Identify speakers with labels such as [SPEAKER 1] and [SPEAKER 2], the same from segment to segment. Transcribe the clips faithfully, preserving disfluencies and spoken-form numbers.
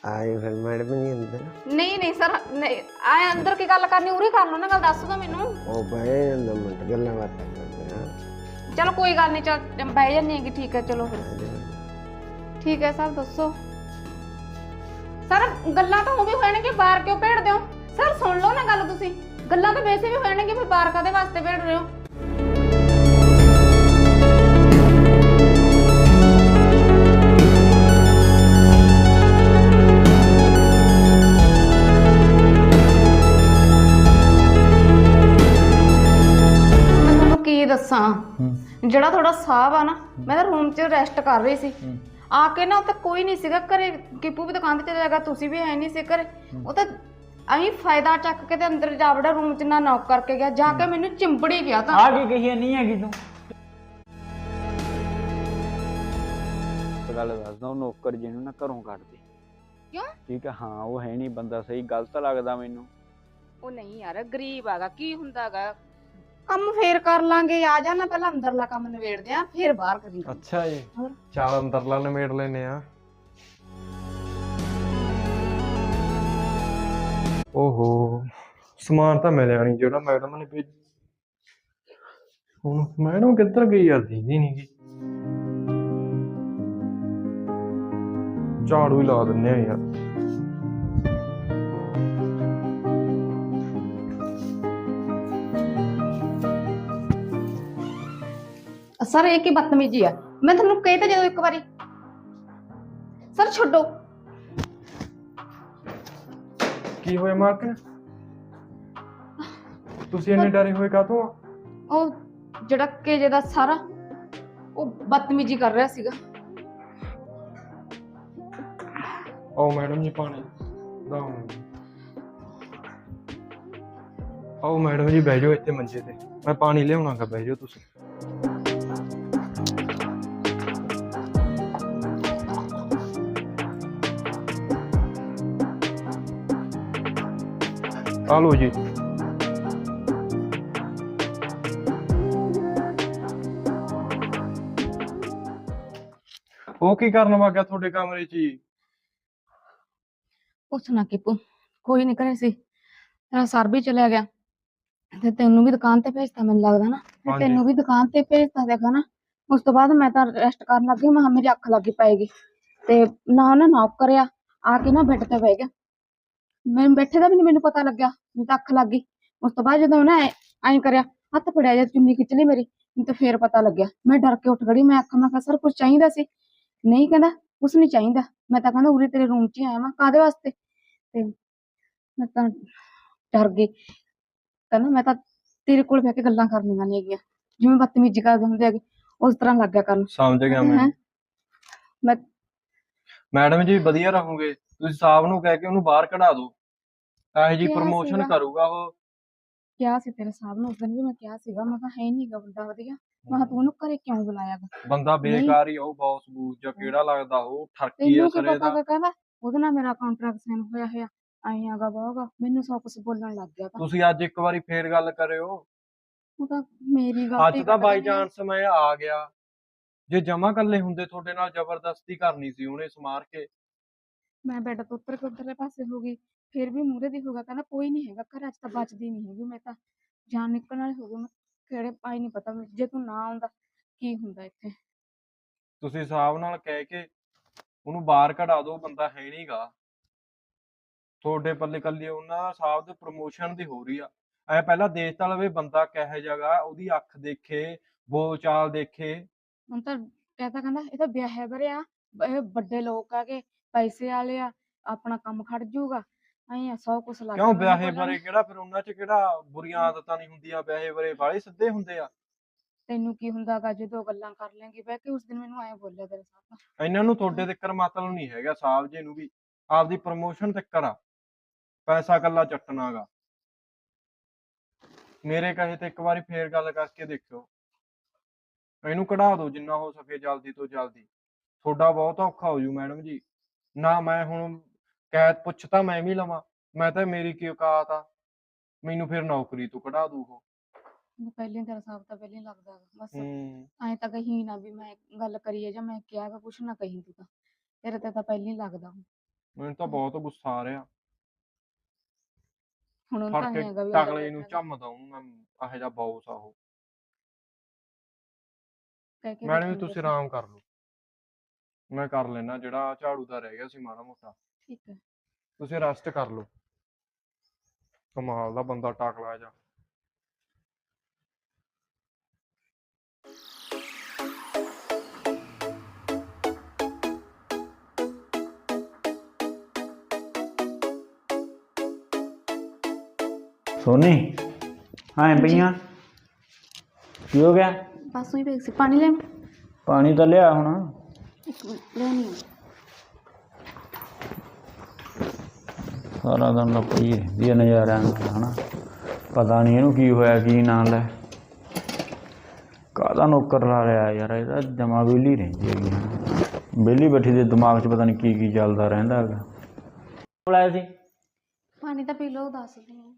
[SPEAKER 1] ਆਏ ਫਿਰ ਮੈਡਮ ਨਹੀਂ ਅੰਦਰ।
[SPEAKER 2] ਨਹੀਂ ਨਹੀਂ ਸਰ, ਨਹੀਂ ਆਏ ਅੰਦਰ ਕੀ ਗੱਲ ਕਰਨੀ, ਉਰੇ ਕਰ ਲਓ ਨਾ ਗੱਲ, ਦੱਸ ਦੋ ਮੈਨੂੰ।
[SPEAKER 1] ਉਹ ਬਹਿ ਜਾਂਦਾ ਮਿੰਟ ਗੱਲਾਂ ਬਾਤਾਂ ਕਰਦੇ ਆ।
[SPEAKER 2] ਚਲੋ ਕੋਈ ਗੱਲ ਨਹੀਂ, ਚਲ ਬਹਿ ਜਾਂਦੀ ਹੈਗੀ, ਠੀਕ ਹੈ ਚਲੋ ਫਿਰ। ਠੀਕ ਹੈ ਸਰ, ਦੱਸੋ ਸਰ। ਗੱਲਾਂ ਤਾਂ ਉਹ ਵੀ ਹੋਣਗੇ, ਬਾਹਰ ਕਿਉਂ ਭੇੜਦੇ ਹੋ ਸਰ? ਸੁਣ ਲਓ ਨਾ ਗੱਲ ਤੁਸੀਂ, ਗੱਲਾਂ ਤਾਂ ਵੈਸੇ ਵੀ ਹੋਣਗੇ, ਫਿਰ ਬਾਹਰ ਕਾਦੇ ਵਾਸਤੇ ਭੇੜ ਰਹੇ ਹੋ? ਮੈਂ ਤੁਹਾਨੂੰ ਕੀ ਦੱਸਾਂ, ਜਿਹੜਾ ਤੁਹਾਡਾ ਸਾਹਬ ਆ ਨਾ, ਮੈਂ ਤਾਂ ਰੂਮ 'ਚ ਰੈਸਟ ਕਰ ਰਹੀ ਸੀ, ਆ ਕੇ ਨਾ ਉੱਥੇ ਕੋਈ ਨਹੀਂ ਸੀਗਾ ਘਰੇ। ਕਿਪੂ ਵੀ ਦੁਕਾਨ ਤੇ ਚਲਾ ਗਿਆ, ਤੁਸੀਂ ਵੀ ਹੈ ਨਹੀਂ ਸੀ ਘਰੇ। ਉਹ ਤਾਂ ਅਹੀਂ ਫਾਇਦਾ ਚੱਕ ਕੇ ਤੇ ਅੰਦਰ ਜਾ ਵੜਾ ਰੂਮ 'ਚ, ਨਾ ਨੌਕ ਕਰਕੇ ਗਿਆ, ਜਾ ਕੇ ਮੈਨੂੰ ਚਿੰਬੜੀ ਗਿਆ। ਤਾਂ
[SPEAKER 3] ਆ ਕੀ ਕਹੀ ਨਹੀਂ ਹੈਗੀ ਤੂੰ? ਗੱਲ ਦੱਸਦਾ, ਉਹ ਨੌਕਰ ਜੀ ਨੂੰ ਨਾ ਘਰੋਂ ਕੱਢ ਦੇ।
[SPEAKER 2] ਕਿਉਂ?
[SPEAKER 3] ਠੀਕ ਹੈ, ਹਾਂ ਉਹ ਹੈ ਨਹੀਂ ਬੰਦਾ ਸਹੀ, ਗਲਤ ਲੱਗਦਾ ਮੈਨੂੰ।
[SPEAKER 2] ਉਹ ਨਹੀਂ ਯਾਰ, ਗਰੀਬ ਹੈਗਾ, ਕੀ ਹੁੰਦਾਗਾ, ਕੰਮ ਫੇਰ ਕਰ ਲਾਂਗੇ। ਆ ਜਾ ਨਾ, ਪਹਿਲਾਂ ਅੰਦਰਲਾ ਕੰਮ ਨਿਬੇੜਦੇ ਆ, ਫੇਰ ਬਾਹਰ ਕਰੀ।
[SPEAKER 4] ਅੱਛਾ ਜੀ, ਚੱਲ ਅੰਦਰਲਾ ਨਿਬੇੜ ਲੈਨੇ ਆ। ਓਹੋ, ਸਮਾਨ ਤਾਂ ਮਿਲਿਆ ਨਹੀਂ ਜਿਹੜਾ ਮੈਡਮ ਨੇ ਭੇਜ। ਹੁਣ ਮੈਡਮ ਕਿੱਧਰ ਗਈ ਯਾਰ, ਦੀਦੀ ਨਹੀਂ ਗਈ। ਝਾੜੂ ਹੀ ਲਾ ਦਿੰਨੇ ਆ ਯਾਰ।
[SPEAKER 2] ਸਰ ਇਹ ਕੀ ਬਦਤਮੀਜੀ ਆ, ਮੈਂ ਤੁਹਾਨੂੰ ਕਹੀ ਤਾਂ ਜਦੋਂ ਇੱਕ ਵਾਰੀ। ਸਰ ਛੱਡੋ।
[SPEAKER 4] ਕੀ ਹੋਇਆ ਮਾਲਕ, ਤੁਸੀਂ ਇੰਨੇ ਡਰੇ ਹੋਏ ਕਾਹਤੋਂ ਆ?
[SPEAKER 2] ਉਹ ਜਿਹੜਾ ਕੇਜੇ ਦਾ ਸਾਰਾ, ਉਹ ਬਦਤਮੀਜੀ ਕਰ ਰਿਹਾ ਸੀਗਾ।
[SPEAKER 4] ਆਓ ਮੈਡਮ ਜੀ, ਪਾਣੀ ਲਾਓ। ਆਓ ਮੈਡਮ ਜੀ, ਬਹਿ ਜਾਓ ਇੱਥੇ ਮੰਜੇ ਤੇ, ਮੈਂ ਪਾਣੀ ਲਿਆਉਣਾਗਾ, ਬਹਿ ਜਾਓ ਤੁਸੀਂ। ਆ ਲਓ ਜੀ। ਉਹ ਕੀ ਕਰਨ ਵਾਗਿਆ ਤੁਹਾਡੇ ਕਮਰੇ 'ਚ ਜੀ?
[SPEAKER 2] ਪੁੱਛ ਨਾ ਕਿਪੂ, ਕੋਈ ਨਹੀਂ ਕਰੇ ਸੀ, ਤੇਰਾ ਸਰ ਵੀ ਚਲਿਆ ਗਿਆ ਤੇ ਤੈਨੂੰ ਵੀ ਦੁਕਾਨ ਤੇ ਭੇਜਤਾ, ਮੈਨੂੰ ਲੱਗਦਾ ਨਾ। ਤੇ ਤੈਨੂੰ ਵੀ ਦੁਕਾਨ ਤੇ ਭੇਜਤਾ ਦੇਖਾ ਨਾ। ਉਸ ਤੋਂ ਬਾਅਦ ਮੈਂ ਤਾਂ ਰੈਸਟ ਕਰਨ ਲੱਗੀ, ਮੈਂ ਮੇਰੀ ਅੱਖ ਲੱਗੀ ਪਏਗੀ ਤੇ ਨਾ ਉਹਨੇ ਨੌਕ ਕਰਿਆ, ਆ ਕੇ ਨਾ ਬੈੱਡ ਤੇ ਬਹਿ ਗਿਆ। ਮੈਨੂੰ ਬੈਠੇ ਦਾ ਵੀ ਨਹੀਂ ਮੈਨੂੰ ਪਤਾ ਲੱਗਿਆ, ਮੈਨੂੰ ਤਾਂ ਅੱਖ ਲੱਗ ਗਈ। ਉਸ ਤੋਂ ਬਾਅਦ ਜਦੋਂ ਉਹਨੇ ਐਂ ਕਰਿਆ, ਹੱਥ ਫੜਿਆ ਜਾਂ ਚੁੰਨੀ ਖਿੱਚ ਲਈ ਮੇਰੀ, ਮੈਨੂੰ ਤਾਂ ਫੇਰ ਪਤਾ ਲੱਗਿਆ। ਮੈਂ ਡਰ ਕੇ ਉੱਠ ਖੜੀ, ਮੈਂ ਆਖਾਂ, ਮੈਂ ਕਿਹਾ ਸਰ ਕੁਛ ਚਾਹੀਦਾ ਸੀ? ਨਹੀਂ, ਕਹਿੰਦਾ ਕੁਛ ਨਹੀਂ ਚਾਹੀਦਾ। ਮੈਂ ਤਾਂ ਕਹਿੰਦਾ ਉਰੇ ਤੇਰੇ ਰੂਮ 'ਚ ਹੀ ਆਇਆ ਵਾਂ, ਕਾਹਦੇ ਵਾਸਤੇ? ਤੇ ਮੈਂ ਤਾਂ ਡਰ ਗਈ। ਕਹਿੰਦਾ ਮੈਂ ਤਾਂ ਤੇਰੇ ਕੋਲ ਬਹਿ ਕੇ ਗੱਲਾਂ ਕਰਨੀਆਂ ਨਹੀਂ ਹੈਗੀਆਂ, ਜਿਵੇਂ ਬਦਤਮੀਜੀ ਕਰਦੇ ਹੁੰਦੇ ਹੈਗੇ, ਉਸ ਤਰ੍ਹਾਂ ਲੱਗ ਗਿਆ ਕਰਨ।
[SPEAKER 4] ਸਮਝ ਗਿਆ ਮੈਂ।
[SPEAKER 2] ਮੈਂ
[SPEAKER 4] ਮੈਡਮ ਜੀ ਵਧੀਆ ਰਹੋਗੇ, ਤੁਸੀਂ ਸਾਹਿਬ ਨੂੰ ਕਹਿ ਕੇ ਉਹਨੂੰ ਬਾਹਰ ਕਢਾ ਦਿਓ, ਇਹੋ ਜੀ
[SPEAKER 2] ਕਿਹਾ
[SPEAKER 4] ਪ੍ਰਮੋਸ਼ਨ
[SPEAKER 2] ਸੀਗਾ।
[SPEAKER 4] ਕਰੂਗਾ ਉਹ।
[SPEAKER 2] ਕਿਹਾ ਸੀ ਤੇਰੇ ਸਾਹਿਬ ਨੂੰ, ਉਸ ਦਿਨ ਵੀ ਮੈਂ ਕਿਹਾ ਸੀਗਾ, ਮੈਂ ਕਿਹਾ ਹੈ ਨੀ ਗਾ ਬੰਦਾ ਵਧੀਆ, ਮੈਂ ਕਿਹਾ ਤੂੰ ਉਹਨੂੰ ਘਰੇ ਕਿਉਂ ਬੁਲਾਇਆ ਗਾ?
[SPEAKER 4] ਬੰਦਾ ਬੇਕਾਰ ਹੀ ਆ ਉਹ, ਬੌਸ ਬੂਸ ਜਾਂ ਕਿਹੜਾ ਲੱਗਦਾ ਉਹ, ਠਰਕੀ ਆ
[SPEAKER 2] ਤੈਨੂੰ ਕੀ
[SPEAKER 4] ਸਰੇ
[SPEAKER 2] ਪਤਾ
[SPEAKER 4] ਦਾ।
[SPEAKER 2] ਗਾ, ਕਹਿੰਦਾ ਉਹਦੇ ਨਾਲ ਮੇਰਾ ਕੰਟਰੈਕਟ ਸਾਈਨ ਹੋਇਆ ਹੋਇਆ, ਆਈ ਆਗਾ ਬਾਗਾ, ਮੈਨੂੰ ਸਭ ਕੁਛ ਬੋਲਣ ਲੱਗ ਗਿਆ।
[SPEAKER 4] ਤੁਸੀਂ ਅੱਜ ਇੱਕ ਵਾਰੀ ਫੇਰ ਗੱਲ ਕਰਿਓ।
[SPEAKER 2] ਉਹ ਤਾਂ ਮੇਰੀ ਗਲਤੀ
[SPEAKER 4] ਅੱਜ ਤਾਂ ਬਾਈ ਚਾਂਸ ਮੈਂ ਆ ਗਿਆ, ਜੇ ਜਮਾ ਕੱਲੇ ਹੁੰਦੇ ਤੁਹਾਡੇ ਨਾਲ ਜ਼ਬਰਦਸਤੀ ਕਰਨੀ ਸੀ ਉਹਨੇ ਸਮਾਰ ਕੇ।
[SPEAKER 2] ਮੈਂ ਬੈੱਡ ਤੋਂ ਉੱਤਰ ਕੇ ਉੱਧਰਲੇ ਪਾਸੇ ਹੋ ਗਈ, ਫਿਰ ਵੀ ਮੂਹਰੇ ਦੀ ਹੋਗਾ, ਕਹਿੰਦਾ ਕੋਈ ਨਹੀਂ ਹੈਗਾ ਘਰ, ਅੱਜ ਤਾਂ ਬਚਦੀ ਨਹੀਂ ਹੈਗੀ, ਮੈਂ ਤਾਂ ਜਾਨ ਨਿਕਲਣ ਵਾਲੀ ਹੋ ਗਈ। ਮੈਂ ਕਿਹੜੇ ਪਾਈ ਨਹੀਂ ਪਤਾ, ਜੇ ਤੂੰ ਨਾ ਆਉਂਦਾ ਕੀ ਹੁੰਦਾ ਇੱਥੇ।
[SPEAKER 4] ਤੁਸੀਂ ਸਾਹਿਬ ਨਾਲ ਕਹਿ ਕੇ ਉਹਨੂੰ ਬਾਹਰ ਕਢਾ ਦਿਓ, ਬੰਦਾ ਹੈ ਨੀ ਗਾ ਤੁਹਾਡੇ ਪੱਲੇ। ਕੱਲੀ ਉਹਨਾਂ ਸਾਹਿਬ ਦੇ ਪ੍ਰਮੋਸ਼ਨ ਦੀ ਹੋ ਰਹੀ ਆ। ਐ ਪਹਿਲਾਂ ਦੇਖ ਤਾਂ ਲਵੇ ਬੰਦਾ ਕਿਹੋ ਜਿਹਾ, ਉਹਦੀ ਅੱਖ ਦੇਖੇ, ਬੋਲ ਚਾਲ ਦੇਖੇ।
[SPEAKER 2] ਹੁਣ ਤਾਂ ਕਹਤਾ, ਕਹਿੰਦਾ ਇਹ ਤਾਂ ਵਿਆਹਿਆ ਵਰਿਆ, ਇਹ ਵੱਡੇ ਲੋਕ ਆ, ਕੇ ਪੈਸੇ ਵਾਲੇ ਆ, ਆਪਣਾ ਕੰਮ ਖੜ ਜੂਗਾ, ਐਂ ਆ ਸੌ ਕੁਛ ਲੱਗ
[SPEAKER 4] ਕਿਉਂ
[SPEAKER 2] ਗਿਆ
[SPEAKER 4] ਵਿਆਹੇ ਬਾਰੇ ਕਿਹੜਾ ਫਿਰ ਉਹਨਾਂ 'ਚ ਕਿਹੜਾ ਬੁਰੀਆਂ ਆਦਤਾਂ ਨਹੀਂ ਹੁੰਦੀਆਂ? ਵਿਆਹੇ ਬਾਰੇ ਵਾਲੇ ਸਿੱਧੇ ਹੁੰਦੇ ਆ।
[SPEAKER 2] ਤੈਨੂੰ ਕੀ ਹੁੰਦਾ ਗਾ, ਜਦੋਂ ਗੱਲਾਂ ਕਰ ਲੈਂਗੀ ਬਹਿ ਕੇ? ਉਸ ਦਿਨ ਮੈਨੂੰ ਐਂ ਬੋਲਿਆ ਤੇਰੇ ਸਾਹਮਣੇ।
[SPEAKER 4] ਇਹਨਾਂ ਨੂੰ ਤੁਹਾਡੇ ਤੱਕ ਮਤਲਬ ਨਹੀਂ ਹੈਗਾ, ਸਾਹਿਬ ਜੀ ਨੂੰ ਵੀ ਆਪਦੀ ਪ੍ਰਮੋਸ਼ਨ ਤੱਕ ਆ, ਪੈਸਾ ਕੱਲਾ ਚੱਟਣਾ ਗਾ। ਮੇਰੇ ਕਹੇ ਤੇ ਇੱਕ ਵਾਰੀ ਫੇਰ ਗੱਲ ਕਰਕੇ ਦੇਖਿਓ, ਇਹਨੂੰ ਕਢਾ ਦਿਓ ਜਿੰਨਾ ਹੋ ਸਕੇ ਜਲਦੀ ਤੋਂ ਜਲਦੀ। ਤੁਹਾਡਾ ਬਹੁਤ ਔਖਾ ਹੋ ਜੂ ਮੈਡਮ ਜੀ। ਨਾ ਮੈਂ ਹੁਣ ਕੈਦ ਪੁੱਛ ਤਾਂ ਮੈਂ ਵੀ ਲਵਾਂ, ਮੈਂ ਤਾਂ ਮੇਰੀ ਕੀ ਔਕਾਤ ਆ, ਮੈਨੂੰ ਫਿਰ ਨੌਕਰੀ ਤੋਂ ਕਢਾ ਦੂ ਉਹ।
[SPEAKER 2] ਪਹਿਲੇ ਤੇਰਾ ਸਾਬ ਤਾਂ ਪਹਿਲੇ ਲੱਗਦਾ ਬਸ,
[SPEAKER 4] ਹੂੰ
[SPEAKER 2] ਐਂ ਤਾਂ ਕਹੀ ਨਾ ਵੀ ਮੈਂ ਗੱਲ ਕਰੀਏ ਜਾਂ ਮੈਂ ਕਿਹਾ ਕੁਛ ਨਾ ਕਹੀਂ, ਤੂੰ ਤਾਂ ਤੇਰੇ ਤੇ ਤਾਂ ਪਹਿਲੇ ਲੱਗਦਾ।
[SPEAKER 4] ਮੈਨੂੰ ਤਾਂ ਬਹੁਤ ਗੁੱਸਾ ਆ ਰਿਹਾ।
[SPEAKER 2] ਹੁਣ ਉਹਨੂੰ
[SPEAKER 4] ਫੜ
[SPEAKER 2] ਤਾਂ
[SPEAKER 4] ਕੇ
[SPEAKER 2] ਐਂ ਹੈਗਾ ਵੀ
[SPEAKER 4] ਟਕਲੇ ਨੂੰ ਝੰਮਦਾ ਉਹਨੂੰ ਮੈਂ, ਇਹੋ ਜਿਹਾ ਬੌਸ ਆ ਉਹ।
[SPEAKER 2] ਕਹਿ ਕੇ
[SPEAKER 4] ਮੈਡਮ ਜੀ
[SPEAKER 2] ਦੇਖੂੰਗੀ
[SPEAKER 4] ਤੁਸੀਂ
[SPEAKER 2] ਅਸੀਂ।
[SPEAKER 4] ਆਰਾਮ ਕਰ ਲਓ, ਮੈਂ ਕਰ ਲੈਣਾ ਜਿਹੜਾ ਝਾੜੂ ਦਾ ਰਹਿ ਗਿਆ ਸੀ ਮਾੜਾ ਮੋਟਾ।
[SPEAKER 2] ਠੀਕ ਹੈ।
[SPEAKER 4] ਤੁਸੀਂ ਰੈਸਟ ਕਰ ਲਓ। ਕਮਾਲ ਦਾ ਬੰਦਾ ਟਕਲਾ ਜਾ।
[SPEAKER 3] ਸੋਨੀ ਹਾਂ ਪਈਆਂ ਕੀ ਹੋ ਗਿਆ?
[SPEAKER 2] ਬਸ ਉਹੀ ਵੇਖ ਸੀ ਪਾਣੀ ਲੈ
[SPEAKER 3] ਪਾਣੀ ਤਾਂ ਲਿਆ ਹੁਣ।
[SPEAKER 2] ਇੱਕ ਮਿੰਟ ਲੈਣੀ ਆ।
[SPEAKER 3] ਸਾਰਾ ਦਿਨ ਤਾਂ ਪਈ ਰਹਿੰਦੀ ਹੈ ਨਜ਼ਾਰਿਆਂ ਨਾਲ ਹਨਾ। ਪਤਾ ਨਹੀਂ ਇਹਨੂੰ ਕੀ ਹੋਇਆ ਕੀ ਨਾ ਲੈ। ਕਾਹਦਾ ਨੌਕਰ ਲਾ ਲਿਆ ਯਾਰ, ਇਹਦਾ ਜਮਾ ਵਿਹਲੀ ਰਹਿੰਦੀ ਹੈਗੀ ਹਨਾ। ਵਿਹਲੀ ਬੈਠੀ ਦੇ ਦਿਮਾਗ 'ਚ ਪਤਾ ਨਹੀਂ ਕੀ ਕੀ ਚੱਲਦਾ ਰਹਿੰਦਾ ਹੈਗਾ। ਬੁਲਾਇਆ ਸੀ
[SPEAKER 2] ਪਾਣੀ ਤਾਂ ਪੀ ਲਓ, ਦੱਸਦੀ ਹਾਂ।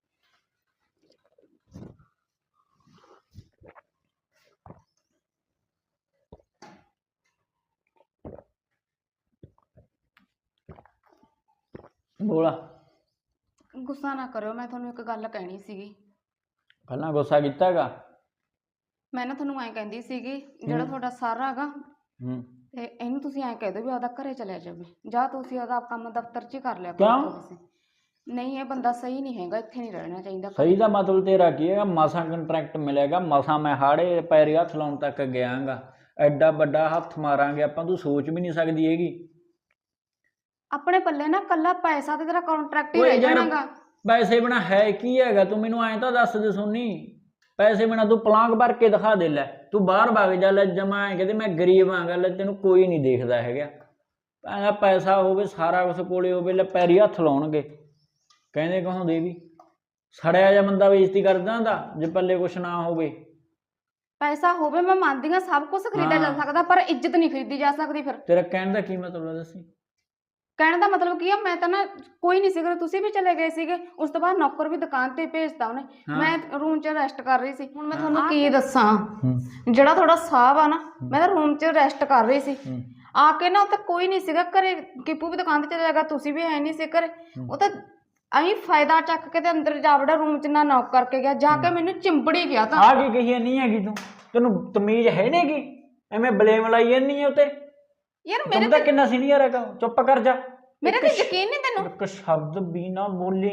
[SPEAKER 3] ਬੋਲਾ।
[SPEAKER 2] ਗੁੱਸਾ ਨਾ ਕਰਿਓ, ਮੈਂ ਤੁਹਾਨੂੰ ਇੱਕ ਗੱਲ ਕਹਿਣੀ ਸੀਗੀ।
[SPEAKER 3] ਪਹਿਲਾਂ ਗੁੱਸਾ ਕੀਤਾ ਹੈਗਾ?
[SPEAKER 2] ਮੈਂ ਨਾ ਤੁਹਾਨੂੰ ਐਂ ਕਹਿੰਦੀ ਸੀਗੀ, ਜਿਹੜਾ ਤੁਹਾਡਾ ਸਰ ਹੈਗਾ
[SPEAKER 3] ਹੂੰ
[SPEAKER 2] ਤੇ ਇਹਨੂੰ ਤੁਸੀਂ ਐਂ ਕਹਿ ਦਿਓ ਵੀ ਆਪਦਾ ਘਰੇ ਚਲਿਆ ਜਾਵੇ, ਜਾਂ ਤੁਸੀਂ ਉਹਦਾ ਕੰਮ ਦਫ਼ਤਰ 'ਚ ਹੀ ਕਰ ਲਿਆ
[SPEAKER 3] ਕਿਉਂ?
[SPEAKER 2] ਕਰੋ ਤੁਸੀਂ। ਨਹੀਂ, ਇਹ ਬੰਦਾ ਸਹੀ ਨਹੀਂ ਹੈਗਾ, ਇੱਥੇ ਨਹੀਂ ਰਹਿਣਾ ਚਾਹੀਦਾ।
[SPEAKER 3] ਸਹੀ ਦਾ ਮਤਲਬ ਤੇਰਾ ਕੀ ਹੈਗਾ? ਮਸਾਂ ਕੰਟਰੈਕਟ ਮਿਲੇਗਾ, ਮਸਾਂ ਮੈਂ ਹਾੜੇ ਪੈਰੀ ਹੱਥ ਲਾਉਣ ਤੱਕ ਗਿਆਗਾ। ਐਡਾ ਵੱਡਾ ਹੱਥ ਮਾਰਾਂਗੇ ਆਪਾਂ, ਤੂੰ ਸੋਚ ਵੀ ਨਹੀਂ ਸਕਦੀ ਹੈਗੀ।
[SPEAKER 2] ਆਪਣੇ ਪੱਲੇ ਨਾ ਕੱਲਾ ਪੈਸਾ ਤੇ ਤੇਰਾ ਕੰਟਰੈਕਟ ਹੀ
[SPEAKER 3] ਓਏ
[SPEAKER 2] ਰਹਿ
[SPEAKER 3] ਯਾਰ,
[SPEAKER 2] ਜਾਣਾਗਾ।
[SPEAKER 3] ਪੈਸੇ ਬਿਨਾ ਹੈ ਕੀ ਹੈਗਾ? ਤੂੰ ਮੈਨੂੰ ਐਂ ਤਾਂ ਦੱਸ ਦੇ ਸੋਨੀ, ਪੈਸੇ ਬਿਨਾ ਤੂੰ ਪਲਾਂਗ ਭਰ ਕੇ ਦਿਖਾ ਦੇ। ਲੈ ਤੂੰ ਬਾਹਰ ਵਗ ਜਾ, ਲੈ ਜਮਾ ਐਂ ਕਹਿੰਦੇ ਮੈਂ ਗਰੀਬ ਆਂਗਾ, ਲੈ ਤੈਨੂੰ ਕੋਈ ਨਹੀਂ ਦੇਖਦਾ ਹੈਗਾ। ਕਹਿੰਦਾ ਪੈਸਾ ਹੋਵੇ, ਸਾਰਾ ਕੁਛ ਕੋਲੇ ਹੋਵੇ, ਲੈ ਪੈਰੀ ਹੱਥ ਲਾਉਣਗੇ। ਕਹਿੰਦੇ ਕਹਾਉਂਦੇ ਵੀ ਸੜਿਆ ਜਿਹਾ ਬੰਦਾ ਬੇਇੱਜ਼ਤੀ ਕਰਦਾ ਹੁੰਦਾ ਜੇ ਪੱਲੇ ਕੁਛ ਨਾ ਹੋਵੇ।
[SPEAKER 2] ਪੈਸਾ ਹੋਵੇ ਮੈਂ ਮੰਨਦੀ ਹਾਂ, ਸਭ ਕੁਝ ਖਰੀਦਿਆ ਜਾ ਸਕਦਾ, ਪਰ ਇੱਜ਼ਤ ਨਹੀਂ ਖਰੀਦੀ ਜਾ ਸਕਦੀ। ਫਿਰ
[SPEAKER 3] ਤੇਰਾ ਕਹਿਣ ਦਾ ਕੀ ਮਤਲਬ ਦੱਸੀ?
[SPEAKER 2] ਕਹਿਣ ਦਾ ਮਤਲਬ ਕੀ ਆ, ਮੈਂ ਤਾਂ ਨਾ ਕੋਈ ਨਹੀਂ ਸੀਗਾ, ਤੁਸੀਂ ਵੀ ਚਲੇ ਗਏ ਸੀਗੇ। ਉਸ ਤੋਂ ਬਾਅਦ ਨੌਕਰ ਵੀ ਦੁਕਾਨ ਤੇ ਭੇਜਤਾ ਉਹਨੇ। ਮੈਂ ਰੂਮ 'ਚ ਰੈਸਟ ਕਰ ਰਹੀ ਸੀ। ਹੁਣ ਮੈਂ ਤੁਹਾਨੂੰ ਕੀ ਦੱਸਾਂ, ਜਿਹੜਾ ਤੁਹਾਡਾ ਸਾਹਬ ਆ ਨਾ, ਮੈਂ ਤਾਂ ਰੂਮ 'ਚ ਰੈਸਟ ਕਰ ਰਹੀ ਸੀ। ਆ ਕੇ ਨਾ ਉੱਥੇ ਕੋਈ ਨਹੀਂ ਸੀਗਾ ਘਰੇ। ਕਿਪੂ ਵੀ ਦੁਕਾਨ ਤੇ ਚਲਾ ਗਿਆ, ਤੁਸੀਂ ਵੀ ਹੈ ਨਹੀਂ ਸੀ ਘਰੇ। ਉਹ ਤਾਂ ਅਸੀਂ ਫਾਇਦਾ ਚੱਕ ਕੇ ਤੇ ਅੰਦਰ ਜਾ ਵੜਾ ਰੂਮ 'ਚ, ਨਾ ਨੌਕ ਕਰਕੇ ਗਿਆ, ਜਾ ਕੇ ਮੈਨੂੰ ਚਿੰਬੜੀ ਗਿਆ। ਤਾਂ
[SPEAKER 3] ਆ ਕੀ ਕਹੀ ਨਹੀਂ ਹੈਗੀ ਤੂੰ? ਤੈਨੂੰ ਤਮੀਜ਼ ਹੈ ਨੀ ਗੀ? ਐਵੇਂ ਬਲੇਮ ਲਾਈ ਜਾਂਦੀ ਹੈ ਉਤੇ।
[SPEAKER 2] ਯਾਰ ਮੇਰੇ
[SPEAKER 3] ਤਾਂ ਕਿੰਨਾ ਸੀਨੀਅਰ ਹੈਗਾ, ਚੁੱਪ ਕਰ ਜਾ।
[SPEAKER 2] ਮੇਰੇ ਤੇ ਯਕੀਨ ਨਹੀਂ ਤੈਨੂੰ?
[SPEAKER 3] ਇੱਕ ਸ਼ਬਦ ਵੀ ਨਾ ਬੋਲੀ।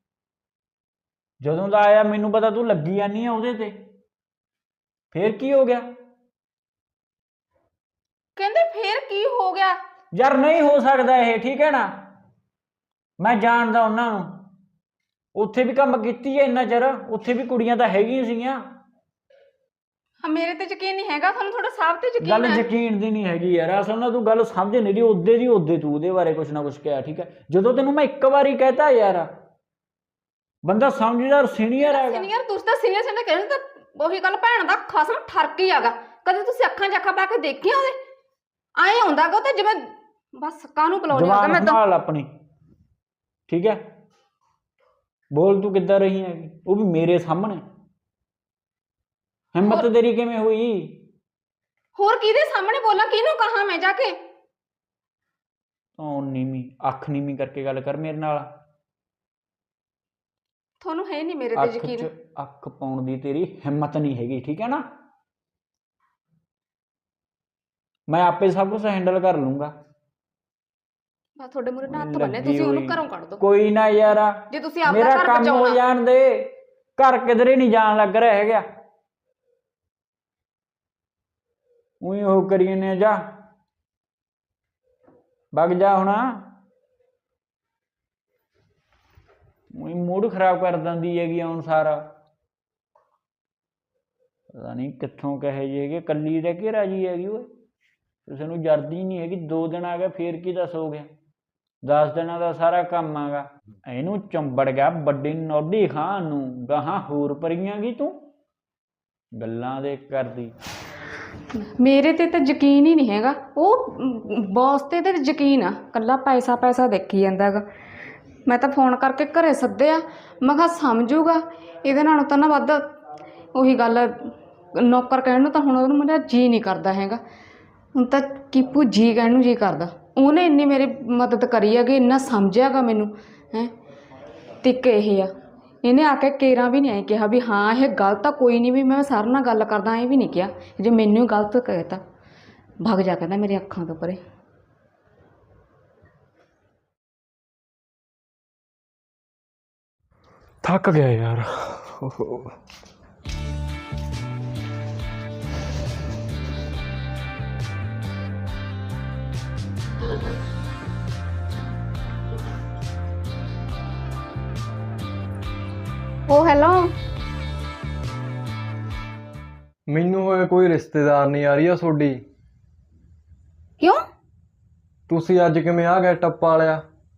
[SPEAKER 3] ਜਦੋਂ ਦਾ ਆਇਆ ਮੈਨੂੰ ਪਤਾ ਤੂੰ ਲੱਗੀ ਜਾਂਦੀ ਆ ਉਹਦੇ ਤੇ। ਫੇਰ ਕੀ ਹੋ ਗਿਆ?
[SPEAKER 2] ਕਹਿੰਦੇ ਫੇਰ ਕੀ ਹੋ ਗਿਆ?
[SPEAKER 3] ਯਾਰ ਨਹੀਂ ਹੋ ਸਕਦਾ ਇਹ, ਠੀਕ ਹੈ ਨਾ? ਮੈਂ ਜਾਣਦਾ ਉਹਨਾਂ ਨੂੰ, ਉੱਥੇ ਵੀ ਕੰਮ ਕੀਤੀ ਹੈ ਇੰਨਾ ਚਿਰ, ਉੱਥੇ ਵੀ ਕੁੜੀਆਂ ਤਾਂ ਹੈਗੀਆਂ ਸੀਗੀਆਂ।
[SPEAKER 2] ਹਾਂ, ਮੇਰੇ ਤੇ ਯਕੀਨ ਨਹੀਂ ਹੈਗਾ, ਤੁਹਾਨੂੰ ਤੁਹਾਡਾ ਸਾਹਬ ਤੇ ਯਕੀਨ
[SPEAKER 3] ਗੱਲ
[SPEAKER 2] ਹੈ?
[SPEAKER 3] ਯਕੀਨ ਦੀ ਨਹੀਂ ਹੈਗੀ ਯਾਰ, ਅਸਲ ਨਾਲ ਤੂੰ ਗੱਲ ਸਮਝ ਨਹੀਂ ਰਹੀ। ਉਹਦੇ ਦੀ ਉਹਦੇ ਤੂੰ ਉਹਦੇ ਬਾਰੇ ਕੁਛ ਨਾ ਕੁਛ ਕਿਹਾ, ਠੀਕ ਹੈ? ਜਦੋਂ ਤੈਨੂੰ ਮੈਂ ਇੱਕ ਵਾਰੀ ਕਹਿਤਾ ਯਾਰ, ਬੰਦਾ ਸਮਝਦਾਰ ਸੀਨੀਅਰ ਹੈਗਾ।
[SPEAKER 2] ਸੀਨੀਅਰ ਤੁਸੀਂ ਤਾਂ ਸੀਨੀਅਰ ਸੀਨੀਅਰ ਕਹਿੰਦੇ, ਤਾਂ ਉਹੀ ਗੱਲ ਭੈਣ ਦਾ ਖਸਮ ਠਰਕ ਹੀ ਹੈਗਾ। ਕਦੇ ਤੁਸੀਂ ਅੱਖਾਂ 'ਚ ਅੱਖਾਂ ਪਾ ਕੇ ਦੇਖੀਆਂ ਉਹਦੇ? ਆਏ ਹੁੰਦਾ ਗਾ ਤੇ ਜਿਵੇਂ ਬਸ ਕਾਹਨੂੰ ਪਲਾਉਣੀ ਹੋਗਾ। ਮੈਂ ਤਾਂ
[SPEAKER 3] ਸੰਭਾਲ ਆਪਣੀ, ਠੀਕ ਹੈ? ਬੋਲ ਤੂੰ ਕਿੱਦਾਂ ਰਹੀ ਹੈਗੀ, ਉਹ ਵੀ ਮੇਰੇ ਸਾਹਮਣੇ। ਹਿੰਮਤ ਤੇਰੀ ਕਿਵੇਂ ਹੋਈ?
[SPEAKER 2] ਹੋਰ ਕਿਹਦੇ ਸਾਹਮਣੇ ਬੋਲਾਂ, ਕਿਹਨੂੰ ਕਹਾਂ ਮੈਂ ਜਾ ਕੇ?
[SPEAKER 3] ਉਹ ਨੀਵੀਂ ਅੱਖ ਨੀਵੀਂ ਕਰਕੇ ਗੱਲ ਕਰ ਮੇਰੇ ਨਾਲ।
[SPEAKER 2] ਤੁਹਾਨੂੰ ਹੈ ਨਹੀਂ ਮੇਰੇ ਤੇ
[SPEAKER 3] ਅੱਖ
[SPEAKER 2] ਯਕੀਨ?
[SPEAKER 3] 'ਚ ਅੱਖ ਪਾਉਣ ਦੀ ਤੇਰੀ ਹਿੰਮਤ ਨਹੀਂ ਹੈਗੀ, ਠੀਕ ਹੈ ਨਾ? ਮੈਂ ਆਪੇ ਸਭ ਕੁਝ ਹੈਂਡਲ ਕਰ ਲੂੰਗਾ।
[SPEAKER 2] ਬਸ ਤੁਹਾਡੇ ਮੂਹਰੇ ਨਾ ਹੱਥ ਬੰਨੇ, ਤੁਸੀਂ ਉਹਨੂੰ ਘਰੋਂ ਕੱਢ ਦਿਓ।
[SPEAKER 3] ਕੋਈ ਨਾ ਯਾਰ,
[SPEAKER 2] ਜੇ ਤੁਸੀਂ ਆਪਣਾ
[SPEAKER 3] ਮੇਰਾ
[SPEAKER 2] ਘਰ
[SPEAKER 3] ਕੰਮ ਹੋ
[SPEAKER 2] ਬਚਾਉਣਾ।
[SPEAKER 3] ਜਾਣ ਦੇ। ਘਰ ਕਿਧਰੇ ਨਹੀਂ ਜਾਣ ਲੱਗ ਰਿਹਾ ਹੈਗਾ। ਉਹੀ ਉਹ ਕਰੀ ਨੇ, ਜਾ ਵਗ ਜਾ ਹੁਣ। ਉਹੀ ਮੂਡ ਖਰਾਬ ਕਰ ਦਿੰਦੀ ਹੈਗੀ ਹੁਣ ਸਾਰਾ। ਪਤਾ ਨਹੀਂ ਕਿੱਥੋਂ ਕਹੇ ਜੇ ਹੈਗੇ, ਕੱਲੀ ਰਹਿ ਕੇ ਰਾਜੀ ਹੈਗੀ। ਓਏ ਕਿਸੇ ਨੂੰ ਜਰਦੀ ਨਹੀਂ ਹੈਗੀ। ਦੋ ਦਿਨ ਆ ਗਿਆ ਫੇਰ ਕੀ ਦੱਸ ਹੋ ਗਿਆ? ਦਸ ਦਿਨਾਂ ਦਾ ਸਾਰਾ ਕੰਮ ਆਗਾ। ਇਹਨੂੰ ਚੰਬੜ ਗਿਆ ਵੱਡੀ ਨੋਢੀ ਖਾਣ ਨੂੰ, ਗਾਹਾਂ ਹੋਰ ਪਰੀਆਂ ਗਈ ਤੂੰ ਗੱਲਾਂ ਦੇ ਕਰਦੀ।
[SPEAKER 2] ਮੇਰੇ ਤੇ ਤਾਂ ਯਕੀਨ ਹੀ ਨਹੀਂ ਹੈਗਾ। ਉਹ ਬੌਸ ਤੇ ਤੇ ਯਕੀਨ ਆ, ਕੱਲਾ ਪੈਸਾ ਪੈਸਾ ਦੇਖੀ ਜਾਂਦਾ ਹੈਗਾ। ਮੈਂ ਤਾਂ ਫੋਨ ਕਰਕੇ ਘਰੇ ਸੱਦਿਆ, ਮੈਂ ਕਿਹਾ ਸਮਝੂਗਾ ਇਹਦੇ ਨਾਲੋਂ ਤਾਂ ਨਾ ਵੱਧ। ਉਹੀ ਗੱਲ, ਨੌਕਰ ਕਹਿਣ ਨੂੰ ਤਾਂ ਹੁਣ ਉਹਨੂੰ ਮੇਰਾ ਜੀ ਨਹੀਂ ਕਰਦਾ ਹੈਗਾ। ਹੁਣ ਤਾਂ ਕੀਪੂ ਜੀ ਕਹਿਣ ਨੂੰ ਜੀ ਕਰਦਾ। ਉਹਨੇ ਇੰਨੀ ਮੇਰੀ ਮਦਦ ਕਰੀ ਹੈਗੀ, ਇੰਨਾ ਸਮਝਿਆਗਾ ਮੈਨੂੰ ਹੈ। ਤੇ ਇੱਕ ਇਹ ਆ, ਇਹਨੇ ਆ ਕੇ ਕੇਰਾਂ ਵੀ ਨਹੀਂ ਐਂ ਕਿਹਾ ਵੀ ਹਾਂ ਇਹ ਗਲਤ ਆ, ਕੋਈ ਨਹੀਂ ਵੀ ਮੈਂ ਸਰ ਨਾਲ ਗੱਲ ਕਰਦਾ, ਐਂ ਵੀ ਨਹੀਂ ਕਿਹਾ। ਜੇ ਮੈਨੂੰ ਹੀ ਗਲਤ ਕਹਿਤਾ, ਭੱਗ ਜਾ ਕਹਿੰਦਾ ਮੇਰੀ ਅੱਖਾਂ ਤੋਂ ਪਰੇ।
[SPEAKER 4] ਥੱਕ ਗਿਆ ਯਾਰ। ਓਹੋ।
[SPEAKER 2] ਉਹ ਹੈਲੋ,
[SPEAKER 4] ਮੈਨੂੰ ਹੋਇਆ ਕੋਈ ਰਿਸ਼ਤੇਦਾਰ ਨਹੀਂ ਆ ਰਹੀ ਆ ਤੁਹਾਡੀ।
[SPEAKER 2] ਕਿਉਂ?
[SPEAKER 4] ਤੁਸੀਂ ਅੱਜ ਕਿਵੇਂ ਆ ਗਏ ਟੱਪਾ ਵਾਲਿਆ?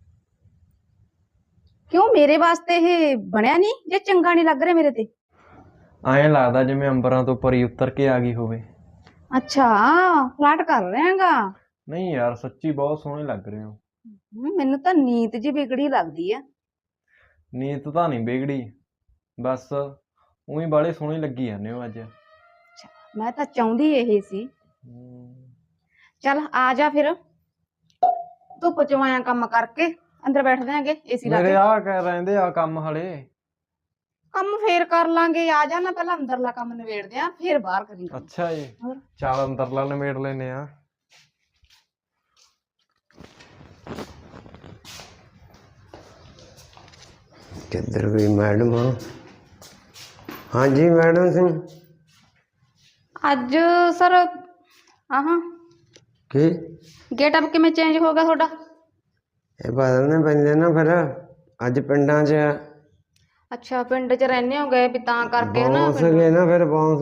[SPEAKER 2] ਕਿਉਂ ਮੇਰੇ ਵਾਸਤੇ ਇਹ ਬਣਿਆ ਨਹੀਂ? ਜੇ ਚੰਗਾ ਨਹੀਂ ਲੱਗ ਰਿਹਾ ਮੇਰੇ ਤੇ?
[SPEAKER 4] ਐਂ ਲੱਗਦਾ ਜਿਵੇਂ ਅੰਬਰਾਂ ਤੋਂ ਪਰੀ ਉਤਰ ਕੇ ਆ ਗਈ ਹੋਵੇ।
[SPEAKER 2] ਅੱਛਾ, ਫਲਾਟ ਕਰ ਰਿਹਾਗਾ।
[SPEAKER 4] ਨਹੀਂ ਯਾਰ, ਸੱਚੀ ਬਹੁਤ ਸੋਹਣੇ ਲੱਗ ਰਹੇ ਹੋ।
[SPEAKER 2] ਮੈਨੂੰ ਤਾਂ ਨੀਤ ਜੀ ਵਿਗੜੀ ਲੱਗਦੀ ਆ।
[SPEAKER 4] ਨੀਤ ਤਾਂ ਨਹੀਂ ਵਿਗੜੀ, ਬਸ ਉਹੀ ਬਾਲੇ ਸੋਹਣੇ ਲੱਗੀ ਜਾਂਦੇ ਹੋ ਅੱਜ।
[SPEAKER 2] ਮੈਂ ਤਾਂ ਚਾਹੁੰਦੀ ਇਹ ਸੀ। ਚੱਲ ਆ ਜਾ ਫਿਰ, ਧੁੱਪ ਚ ਆਇਆ ਕੰਮ ਕਰਕੇ, ਅੰਦਰ ਬੈਠਦੇ ਆਂਗੇ ਏਸੀ ਲਾ
[SPEAKER 4] ਮੇਰੇ
[SPEAKER 2] ਕੇ।
[SPEAKER 4] ਆ ਕਹਿ ਰਹਿੰਦੇ ਆ ਕੰਮ ਹਲੇ।
[SPEAKER 2] ਕੰਮ ਫੇਰ ਕਰ ਲਾਂਗੇ, ਆ ਜਾ ਨਾ, ਪਹਿਲਾਂ ਅੰਦਰਲਾ ਕੰਮ ਨਿਬੇੜਦੇ ਆ, ਫਿਰ ਬਾਹਰ ਕਰੀਂਗੇ।
[SPEAKER 4] ਅੱਛਾ ਜੀ,
[SPEAKER 2] ਹੋਰ?
[SPEAKER 4] ਚੱਲ ਅੰਦਰਲਾ ਨਿਬੇੜ ਲੈਨੇ ਆ।
[SPEAKER 1] ਕਿੱਧਰ ਗਈ ਮੈਡਮ? ਹਾਂਜੀ ਮੈਡਮ ਸਿੰਘ।
[SPEAKER 2] ਅੱਜ ਸਰ ਆਹਾਂ
[SPEAKER 1] ਕੀ
[SPEAKER 2] ਗੇਟ ਅਪ ਕਿਵੇਂ ਚੇਂਜ ਹੋ ਗਿਆ ਤੁਹਾਡਾ?
[SPEAKER 1] ਇਹ ਬਦਲਨੇ ਪੈਂਦੇ ਨਾ ਫਿਰ, ਅੱਜ ਪਿੰਡਾਂ 'ਚ
[SPEAKER 2] ਅੱਛਾ, ਪਿੰਡ ਚ ਰਹਿੰਦੇ ਹੋ ਗਏ ਵੀ ਤਾਂ ਕਰਕੇ ਨਾ।
[SPEAKER 1] ਬੌਂਸ ਗਏ ਨਾ, ਫਿਰ ਬੌਂਸ